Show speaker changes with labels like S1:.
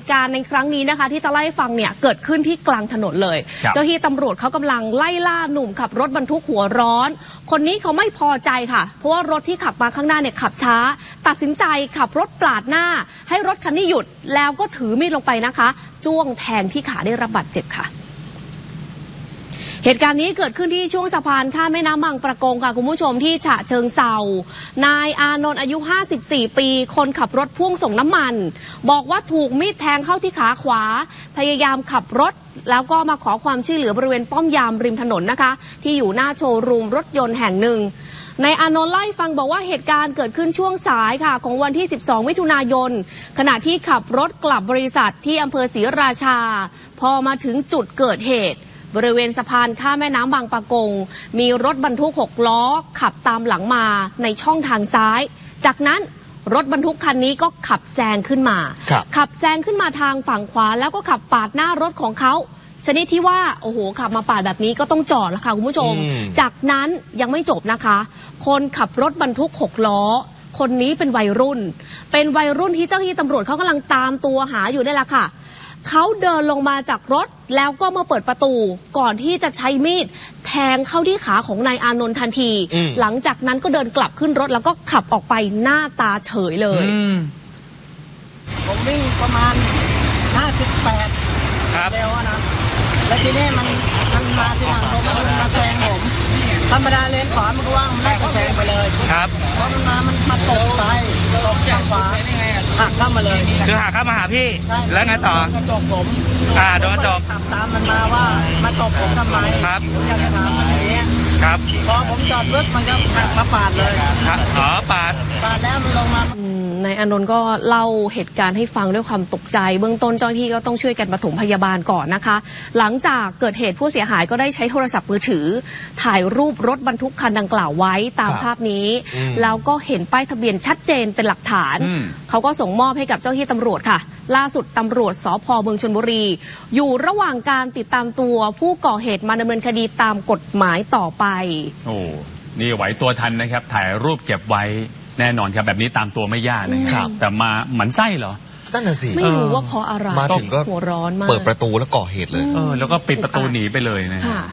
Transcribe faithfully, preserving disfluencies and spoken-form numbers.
S1: ตุการณ์ในครั้งนี้นะคะที่จะไล่ฟังเนี่ยเกิดขึ้นที่กลางถนนเลยเจ้าที่ตำรวจเขากำลังไล่ล่าหนุ่มขับรถบรรทุกหัวร้อนคนนี้เขาไม่พอใจค่ะเพราะว่ารถที่ขับมาข้างหน้าเนี่ยขับช้าตัดสินใจขับรถปาดหน้าให้รถคันนี้หยุดแล้วก็ถือมีดลงไปนะคะจ้วงแทงที่ขาได้รับบาดเจ็บค่ะเหตุการณ์นี้เกิดขึ้นที่ช่วงสะพานข้ามแม่น้ำบางประกงค่ะคุณผู้ชมที่ฉะเชิงเทรานายอานนท์อายุห้าสิบสี่ปีคนขับรถพ่วงส่งน้ำมันบอกว่าถูกมีดแทงเข้าที่ขาขวาพยายามขับรถแล้วก็มาขอความช่วยเหลือบริเวณป้อมยามริมถนนนะคะที่อยู่หน้าโชว์รูมรถยนต์แห่งหนึ่งนายอานนท์เล่าให้ฟังบอกว่าเหตุการณ์เกิดขึ้นช่วงสายค่ะของวันที่สิบสองมิถุนายนขณะที่ขับรถกลับบริษัทที่อำเภอศรีราชาพอมาถึงจุดเกิดเหตุบริเวณสะพานข้ามแม่น้ำบางปะกงมีรถบรรทุกหกล้อขับตามหลังมาในช่องทางซ้ายจากนั้นรถบรรทุกคันนี้ก็ขับแซงขึ้นมาขับแซงขึ้นมาทางฝั่งขวาแล้วก็ขับปาดหน้ารถของเขาชนิดที่ว่าโอ้โหขับมาปาดแบบนี้ก็ต้องจอดแล้วค่ะคุณผู้ชมจากนั้นยังไม่จบนะคะคนขับรถบรรทุกหกล้อคนนี้เป็นวัยรุ่นเป็นวัยรุ่นที่เจ้าหน้าที่ตำรวจเขากำลังตามตัวหาอยู่นี่แหละค่ะเขาเดินลงมาจากรถแล้วก็มาเปิดประตูก่อนที่จะใช้มีดแทงเข้าที่ขาของนายอานนท์ทันทีหลังจากนั้นก็เดินกลับขึ้นรถแล้วก็ขับออกไปหน้าตาเฉยเลย
S2: ผมวิ่งประมาณห้าสิบแปดเร็วนะแล้วทีนี้มันมันมาที่หลังผมมันมาแซงผมธรรมดาเลนขวามันก็ว่างมันได้ก็แซงไปเลยครับเพราะมันมามันมาตกไปตกจากขวาหักเข้ามาเลย
S3: คือหักเข้ามาหาพี่แล้วไงต่อกระจกผมอ่าโดนกระจก
S2: ขับตามมันมาว่ามาตกผมทำไมครับผมอยากจะถามมันอย่างนี้
S3: ครับ
S2: พอผมจอดรถมันก็หักมาปาดเลย
S3: ครับอ๋อปาด
S2: ปาดแล้วมันลงมาน
S1: ายอานนท์ก็เล่าเหตุการณ์ให้ฟังด้วยความตกใจเบื้องต้นเจ้าหน้าที่ก็ต้องช่วยกันปฐมพยาบาลก่อนนะคะหลังจากเกิดเหตุผู้เสียหายก็ได้ใช้โทรศัพท์มือถือถ่ายรูปรถบรรทุกคันดังกล่าวไว้ตามภาพนี้แล้วก็เห็นป้ายทะเบียนชัดเจนเป็นหลักฐานเขาก็ส่งมอบให้กับเจ้าหน้าที่ตำรวจค่ะล่าสุดตำรวจสภ.เมืองชลบุรีอยู่ระหว่างการติดตามตัวผู้ก่อเหตุมาดำเนินคดีตามกฎหมายต่อไป
S4: โอ้นี่ไหวตัวทันนะครับถ่ายรูปเก็บไว้แน่นอนครับแบบนี้ตามตัวไม่ยากนะครับแต่มาหมันไส้เหรอ
S1: นั่นน่ะสิไม่รู้ว่าเพราะอะไร
S5: มาถึงก็
S1: หัวร้อนมาก
S5: เปิดประตูแล้วก่อเหตุเลย
S4: เออแล้วก็ปิดประตูหนีไปเลยนะ